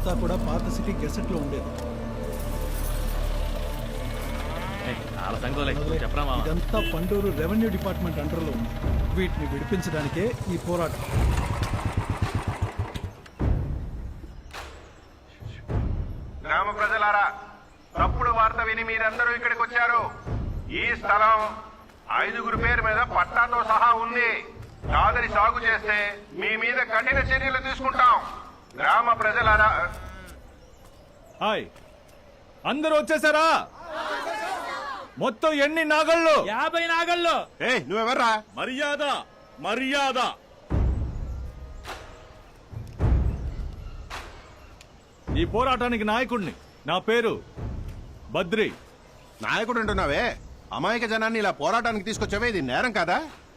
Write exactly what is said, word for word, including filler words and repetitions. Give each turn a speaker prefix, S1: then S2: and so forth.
S1: ఇదంతా కూడా పాత సిటీ గెసెట్ లో ఉండేది. ఇదంతా పండూరు రెవెన్యూ డిపార్ట్మెంట్ అండర్ లో ఉంది. వీటిని విడిపించడానికే ఈ పోరాటం.
S2: గ్రామ ప్రజలారా, తప్పుడు వార్త విని మీరందరూ ఇక్కడికి వచ్చారు. ఈ స్థలం ఐదుగురు పేరు మీద పట్టాతో సహా ఉంది. కాదని సాగు చేస్తే మీ మీద కఠిన చర్యలు తీసుకుంటాం. గ్రామ ప్రజలారా,
S3: హాయ్, అందరూ వచ్చేసారా? మొత్తం ఎన్ని నాగళ్ళు?
S4: యాభై నాగళ్ళు.
S2: ఏ నువ్వెవర్రా?
S3: మర్యాద మర్యాద. ఈ పోరాటానికి నాయకుడిని. నా పేరు బద్రి.
S2: నాయకుడు అంటున్నావే, అమాయక జనాన్ని ఇలా పోరాటానికి తీసుకొచ్చావే, ఇది నేరం కాదా?